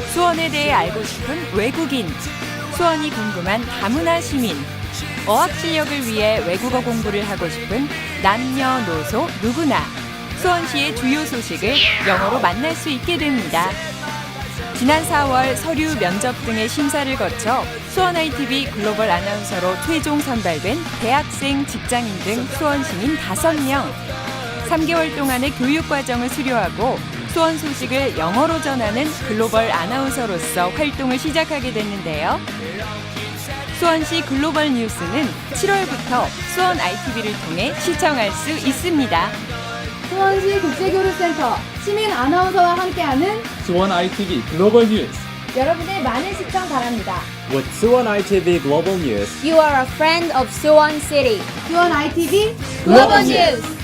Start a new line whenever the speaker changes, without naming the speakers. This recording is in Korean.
수원에 대해 알고 싶은 외국인, 수원이 궁금한 다문화 시민, 어학 실력을 위해 외국어 공부를 하고 싶은 남녀노소 누구나 수원시의 주요 소식을 영어로 만날 수 있게 됩니다. 지난 4월 서류, 면접 등의 심사를 거쳐 수원 ITV 글로벌 아나운서로 최종 선발된 대학생, 직장인 등 수원 시민 5명. 3개월 동안의 교육 과정을 수료하고 수원 소식을 영어로 전하는 글로벌 아나운서로서 활동을 시작하게 됐는데요. 수원시 글로벌 뉴스는 7월부터 수원 ITV를 통해 시청할 수 있습니다.
수원시 국제교류센터 시민 아나운서와 함께하는
수원 ITV 글로벌 뉴스.
여러분의 많은 시청 바랍니다.
With Suwon ITV Global News,
You are a friend of Suwon City.
수원 ITV
Global News.